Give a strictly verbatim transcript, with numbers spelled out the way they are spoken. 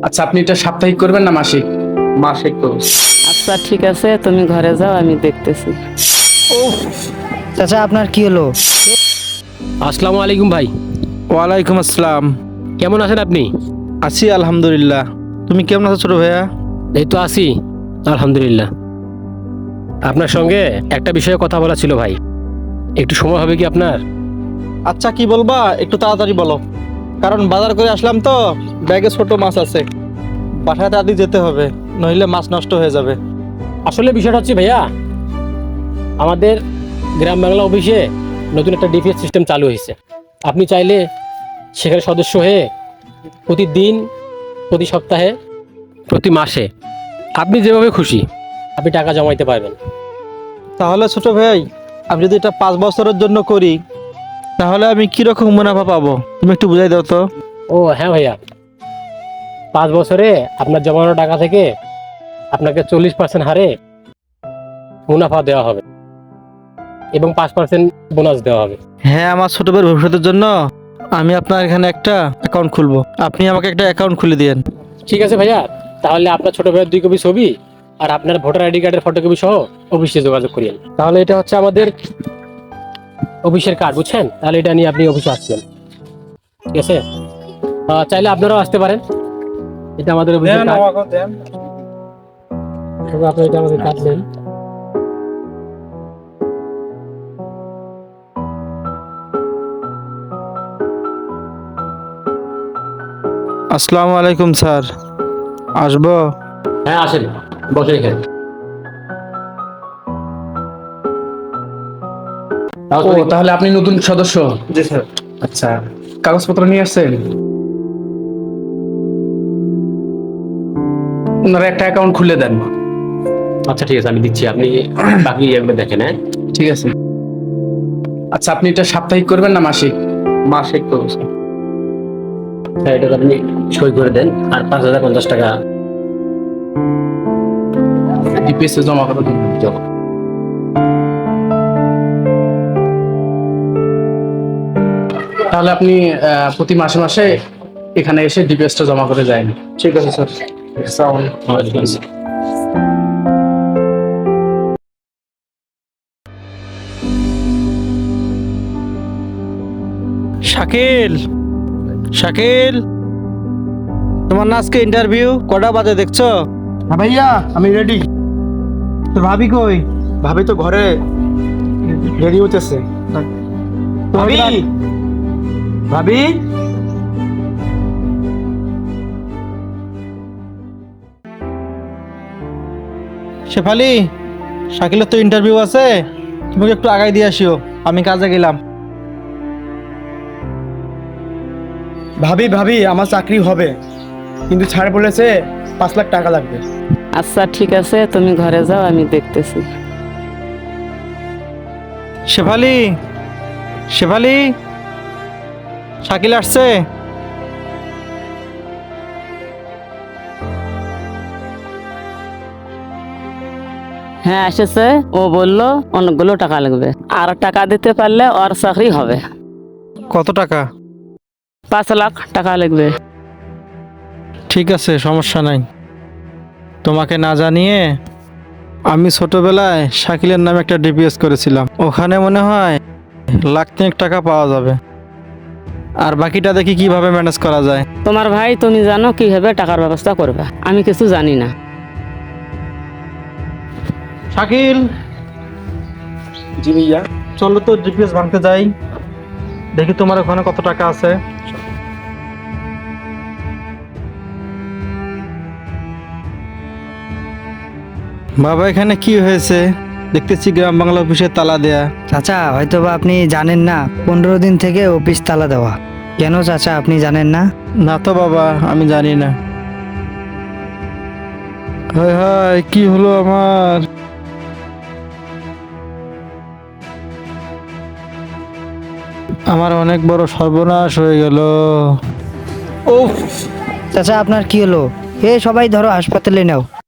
আচ্ছা, আপনি এটা সাপ্তাহিক করবেন না মাসিক? মাসিক করব। আচ্ছা ঠিক আছে, তুমি ঘরে যাও, আমি দেখতেছি। চাচা আপনার কি হলো? আসসালামু আলাইকুম ভাই, ওয়ালাইকুম আসসালাম। কেমন আছেন আপনি? আছি আলহামদুলিল্লাহ। তুমি কেমন আছো ছোট ভাইয়া? এই তো আছি আলহামদুলিল্লাহ। আপনার সঙ্গে একটা বিষয়ে কথা বলা ছিল ভাই, একটু সময় হবে কি আপনার? আচ্ছা কি বলবা, একটু তাড়াতাড়ি বলো, কারণ বাজার করে আসলাম তো, ব্যাগে ছোট মাছ আছে, বাসায় তাড়াতাড়ি যেতে হবে, নইলে মাছ নষ্ট হয়ে যাবে। আসলে বিষয়টা হচ্ছে ভাইয়া, আমাদের গ্রাম বাংলা অফিসে নতুন একটা ডিপিএস সিস্টেম চালু হয়েছে। আপনি চাইলে সেখানে সদস্য হয়ে প্রতিদিন, প্রতি সপ্তাহে, প্রতি মাসে আপনি যেভাবে খুশি আপনি টাকা জমাইতে পারবেন। তাহলে ছোট ভাই, আমি যদি এটা পাঁচ বছরের জন্য করি, তাহলে আমি কিরকম মুনাফা পাবো, তুমি একটু বুঝাই দাও তো। ও হ্যাঁ ভাইয়া, পাঁচ বছরে আপনার জমানো টাকা থেকে আপনাকে চল্লিশ পার্সেন্ট হারে মুনাফা দেওয়া হবে এবং পাঁচ পার্সেন্ট বোনাস দেওয়া হবে। হ্যাঁ, আমার ছোট ভাইয়ের ভবিষ্যতের জন্য আমি আপনার এখানে একটা অ্যাকাউন্ট খুলবো, আপনি আমাকে একটা অ্যাকাউন্ট খুলে দিয়েন। ঠিক আছে ভাইয়া, তাহলে আপনার ছোট ভাইয়ের দুই কপি ছবি আর আপনার ভোটার আইডি কার্ডের ফটোকপি সহ অফিসে যোগাযোগ করিয়েন। তাহলে এটা হচ্ছে আমাদের অফিসের কার্ড, বুঝছেন? তাহলে এটা নিয়ে আপনি অফিসে আসছেন, ঠিক আছে? আহ, চাইলে আপনারাও আসতে পারেন, এটা আমাদের অফিসের কার্ড। তবে আপনি এটা আমাদের কার্ড নেন। আসসালামু আলাইকুম স্যার, আসবো? হ্যাঁ আসেন, বসে এখানে। ও, তাহলে আপনি নতুন সদস্য? জি স্যার। আচ্ছা, কাগজপত্র নিয়ে আসছেন? ওনারা একটা অ্যাকাউন্ট খুলে দেন। আচ্ছা ঠিক আছে, আমি দিচ্ছি, আপনি বাকি এগুলো দেখেন। হ্যাঁ ঠিক আছে। আচ্ছা, আপনি এটা সাপ্তাহিক করবেন না মাসিক? মাসিক করব স্যার। হ্যাঁ, এটা আপনি সই করে দেন, আর পাঁচ হাজার পঞ্চাশ টাকা ডিপিএস এ জমা করে দেন। জমা। তাহলে আপনি আহ, প্রতি মাসে মাসে এখানে এসে ডিপিএসটা জমা করে যান। ঠিক আছে স্যার। আসসালামু আলাইকুম। ওয়ালাইকুম আসসালাম। শাকিল, শাকিল, তোমার না আজকে ইন্টারভিউ, কটা বাজে দেখছো? হ্যাঁ ভাইয়া, আমি রেডি। তোর ভাবি কই? ভাবি তো ঘরে রেডি হতেছে। ভাবি, ভাবি, শেফালি, শাকিলের তো ইন্টারভিউ আছে, তুমি একটু আগাই দিয়ে আসিও, আমি কাজে গেলাম। ভাবি, ভাবি, আমার চাকরি হবে, কিন্তু স্যার বলেছে পাঁচ লাখ টাকা লাগবে। আচ্ছা ঠিক আছে, তুমি ঘরে যাও, আমি দেখতেছি। শেফালি, শেফালি, শাকিল আসছে? হ্যাঁ এসেছে, ও বললো অনেকগুলো টাকা লাগবে, আর টাকা দিতে পারলে ওর চাকরি হবে। কত টাকা? পাঁচ লাখ টাকা লাগবে। ঠিক আছে, সমস্যা নাই। তোমাকে না জানিয়ে আমি ছোটবেলায় শাকিলের নামে একটা ডিপিএস করেছিলাম, ওখানে মনে হয় লাখ তিনেক টাকা পাওয়া যাবে, আর বাকিটা দেখি কিভাবে ম্যানেজ করা যায়। তোমার ভাই, তুমি জানো কিভাবে টাকার ব্যবস্থা করবে, আমি কিছু জানি না। শাকিল, জি ভাইয়া। চলো তো ডিপিএস ভাঙতে যাই, দেখি তোমার ওখানে কত টাকা আছে। বাবা, এখানে কি হয়েছে? দেখতেছি গ্রাম বাংলা অফিসে তালা দেয়া। চাচা হয়তো বা আপনি জানেন না, পনেরো দিন থেকে অফিস তালা দেওয়া। কেন চাচা, আপনি জানেন না? না তো বাবা, আমি জানি না। হায় হায়, কি হলো আমার? আমার অনেক বড় সর্বনাশ হয়ে গেল। চাচা আপনার কি হলো? এ সবাই ধরো হাসপাতালে নাও।